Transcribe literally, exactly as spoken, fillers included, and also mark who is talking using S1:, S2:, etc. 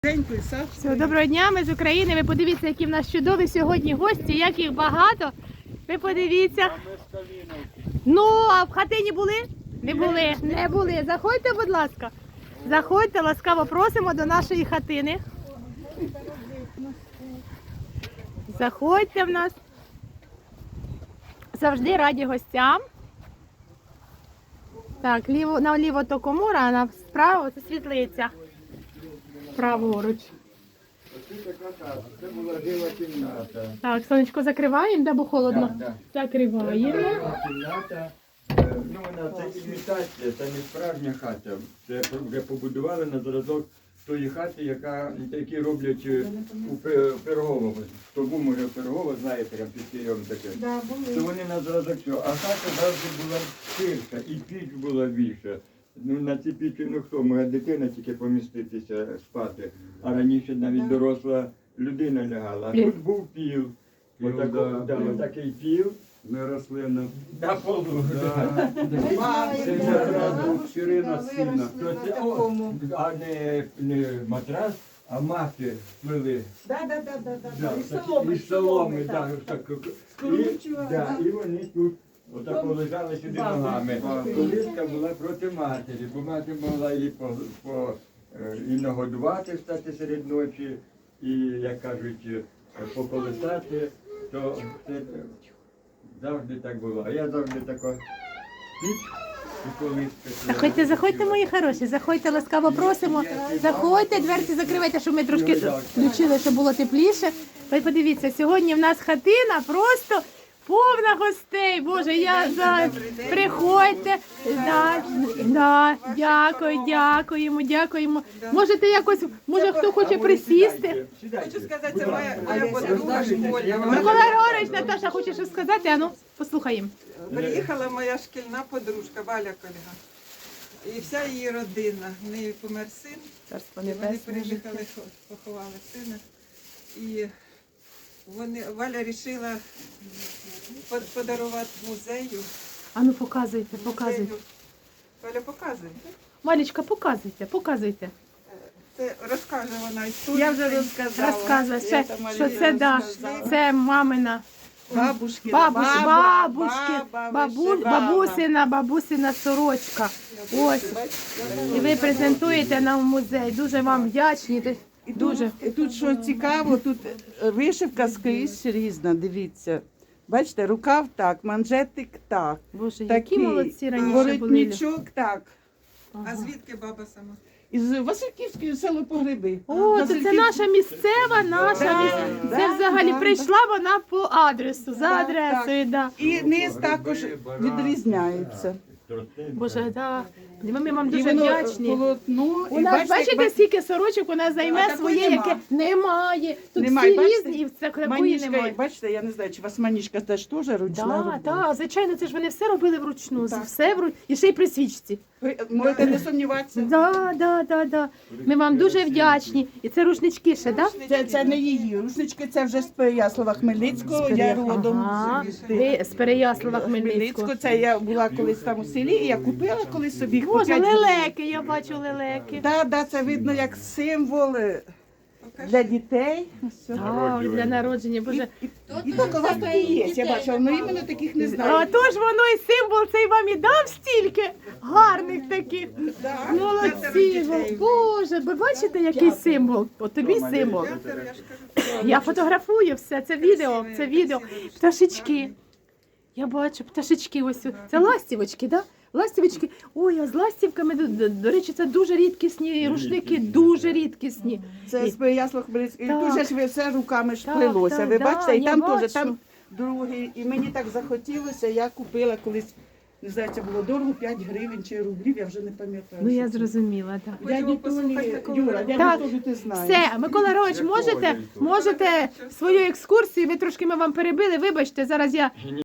S1: Все, доброго дня, ми з України. Ви подивіться, які в нас чудові сьогодні гості, як їх багато. Ви подивіться. Ну, а в хатині були? Не були, не були. Заходьте, будь ласка. Заходьте, ласкаво просимо до нашої хатини. Заходьте в нас. Завжди раді гостям. Так, ліво, наліво то комора, а направо це світлиця. Праворуч.
S2: Це була жила кімната.
S1: Так, сонечко закриваємо, да, бо холодно.
S2: Так, так.
S1: Закриваємо.
S2: Кімната, е, ну вона це імітація, це не справжня хата. Це вже побудували на зразок тої хати, яка, які роблять е, у Пе- Пирогово. Хто був, може, в Пирогово, знаєте, там під Києвом таке. То вони на зразок цього. А хата завжди була ширша, і піч була більша. Ну, на цій пічі, ну хто, може дитина тільки поміститися спати, а раніше навіть доросла людина лягала. А тут був піл, отак,
S3: да,
S2: да,
S3: піл.
S2: отакий піл
S3: Не рослина.
S2: на полу.
S3: Це якраз ширина сильна.
S2: То це, о, а не, не матрас, а мати плели.
S4: Да, да, да, да, да,
S2: Да,
S4: да. І
S2: такі-
S4: соломи,
S2: і соломи,
S4: так.
S2: да, так.
S4: Скручували,
S2: І, да,
S4: да.
S2: і вони тут отак лежали сюди ногами. Колиска була проти матері, бо мати могла її по, по, е, і нагодувати, встати серед ночі, і, як кажуть, е, поколисати, то це е, завжди так було. А я завжди тако піч і колиска.
S1: Заходьте, заходьте, мої хороші, заходьте, ласкаво просимо. Заходьте, дверці закривайте, щоб ми трошки включили, щоб було тепліше. Ви подивіться, сьогодні в нас хатина просто повна гостей. Боже, я за... Приходьте. Да, да, дякую, дякуємо, дякуємо. Можете якось, може хто хоче присісти?
S4: Хочу сказати, це моя, моя подруга школьна.
S1: Микола Григорович, Наташа, хоче щось сказати? А ну, послухаємо.
S4: Приїхала моя шкільна подружка Валя Кольга. І вся її родина. В неї помер син.
S1: Царство
S4: І вони
S1: небесне.
S4: приїхали, поховали сина. І вони, Валя вирішила подарувати музею.
S1: А ну, показуйте, показуйте.
S4: Музею. Валя показує.
S1: Малечка, показуйте, показуйте.
S4: Це розкаже вона історію.
S5: Я вже розказала.
S1: Розказує, ще,
S5: Це Марія
S1: що це, да,
S5: розказала.
S1: це мамина.
S5: Бабушки,
S1: Бабуш,
S5: баба,
S1: бабушки,
S5: баба
S1: бабу,
S5: вишивала.
S1: бабусина, бабусина сорочка. Ось. І ви презентуєте нам в музей. Дуже вам вдячні. Ти-
S5: І
S1: Дуже.
S5: тут, і тут що цікаво, тут вишивка скрізь різна, дивіться. Бачите, рукав так, манжетик так.
S1: Боже, які
S5: Такий
S1: молодці раніше були.
S5: воротничок так.
S4: А звідки баба сама?
S5: Із Васильківської село Погреби.
S1: О, то це
S5: Васильків-
S1: наша місцева, наша
S5: Да,
S1: місцева.
S5: да,
S1: Це взагалі
S5: да,
S1: прийшла вона по адресу, за
S5: Так,
S1: адресою, да.
S5: І низ також відрізняється.
S1: Боже, да. Ми, ми вам
S5: І
S1: дуже
S5: воно
S1: вдячні.
S5: полотно.
S1: У
S5: і
S1: нас, бачите,
S5: ба-
S1: скільки сорочок у нас займе
S5: такої
S1: своє,
S5: нема.
S1: яке немає. Тут
S5: Немає,
S1: всі
S5: бачите?
S1: різні, і це такої
S5: Манішка,
S1: немає.
S5: бачите, я не знаю, чи у вас манішка теж теж ручна
S1: Так,
S5: робота?
S1: так, звичайно, це ж вони все робили вручну,
S5: Так.
S1: все вручну, і ще й при свічці.
S5: Ви можете не сумніватися.
S1: Да, да, да, да. Ми вам дуже вдячні. І це рушнички ще, так?
S5: Це, це не її рушнички, це вже з Переяслава Хмельницького, я родом
S1: Ага.
S5: з
S1: Ви з Переяслава Хмельницького.
S5: Хмельницького. Це я була колись там у селі, і я купила колись собі їх по
S1: Боже,
S5: п'ять гривень.
S1: лелеки, я бачу лелеки.
S5: Да, да, це видно як символ е, для дітей. Ось.
S1: Так, для народження, Боже.
S5: І, і так у вас такі є, я бачила, але іменно таких не
S1: А
S5: знаю.
S1: то ж воно і символ цей вам і дав стільки гарних таких.
S5: Да.
S1: Молодці, Боже, ви бачите, який символ? От тобі символ.
S4: П'ятеро, я ж кажу.
S1: Я фотографую все, це відео, це відео. Пташечки. Я бачу, пташечки ось. Це ластівочки, так? Да? Ластівочки. Ой, а з ластівками, до, до, до речі, це дуже рідкісні рушники, дуже рідкісні.
S5: Це з Переяслава Хмельницького. І
S1: Так.
S5: дуже ж ви все руками ж
S1: Так,
S5: плелося.
S1: так,
S5: Ви
S1: да,
S5: бачите, і
S1: я
S5: там
S1: бачу.
S5: теж, там другий. І мені так захотілося, я купила колись, не знаю, це було дорого, п'ять гривень чи рублів, я вже не пам'ятаю.
S1: Ну,
S5: що
S1: я
S5: це.
S1: зрозуміла, так.
S5: Дяді
S4: Хочемо послухати
S5: Толі,
S4: Миколу
S5: Юра,
S4: Григоровича.
S5: дяді
S1: Так.
S5: Толі ти знаєш.
S1: Все, Микола Григорович, можете, можете свою екскурсію, ми трошки ми вам перебили, вибачте, зараз я